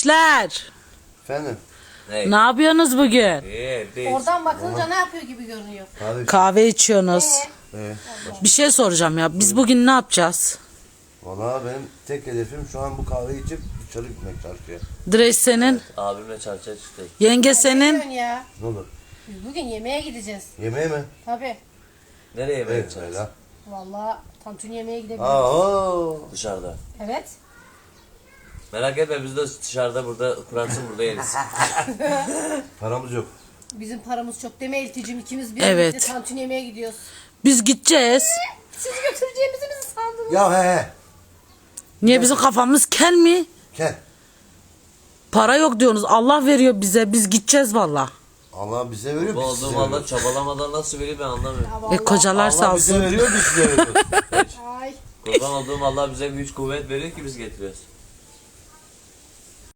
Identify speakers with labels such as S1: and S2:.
S1: Gençler,
S2: Efendim?
S3: Ne?
S1: ne yapıyorsunuz bugün?
S3: Değil.
S4: Oradan bakınca ne yapıyor gibi görünüyor.
S2: Kahve iç.
S1: Kahve içiyorsunuz.
S2: Ee,
S1: Bir şey soracağım ya. Biz bugün ne yapacağız?
S2: Valla benim tek hedefim şu an bu kahveyi içip dışarı gitmek çarşıya.
S1: Dreş senin,
S3: Abimle çarşıya çıktık.
S1: yenge
S4: Ne
S1: senin.
S4: diyorsun ya?
S2: Ne olur?
S4: Biz bugün yemeğe gideceğiz.
S2: Yemeğe mi?
S4: Tabii.
S3: Nereye yemeğe
S2: Evet
S3: gideceğiz?
S2: öyle.
S4: Vallahi tantuni yemeğe gidebiliriz.
S2: Aa,
S3: Dışarıda.
S4: Evet.
S3: Merak etme biz de dışarıda burada kuransın burada yeriz.
S2: paramız yok.
S4: Bizim paramız çok deme Elticim, ikimiz bir
S1: Evet.
S4: birlikte tantuni yemeğe gidiyoruz.
S1: Biz gideceğiz.
S4: Sizi götüreceğimizi mi sandınız?
S2: Ya he.
S1: Niye bizim kafamız kel mi?
S2: Gel.
S1: Para yok diyorsunuz. Allah veriyor bize. Biz gideceğiz valla.
S2: Allah bize veriyor,
S3: Bu
S2: biz
S3: olduğum
S2: size
S3: valla
S2: veriyoruz.
S3: çabalamadan nasıl vereyim ben anlamıyorum.
S4: Ya vallahi.
S1: Kocalar sağ
S2: Allah bize
S1: olsun.
S2: veriyor, biz size veriyoruz.
S4: Ay.
S3: Kurban olduğum Allah bize güç kuvvet veriyor ki biz getiriyoruz.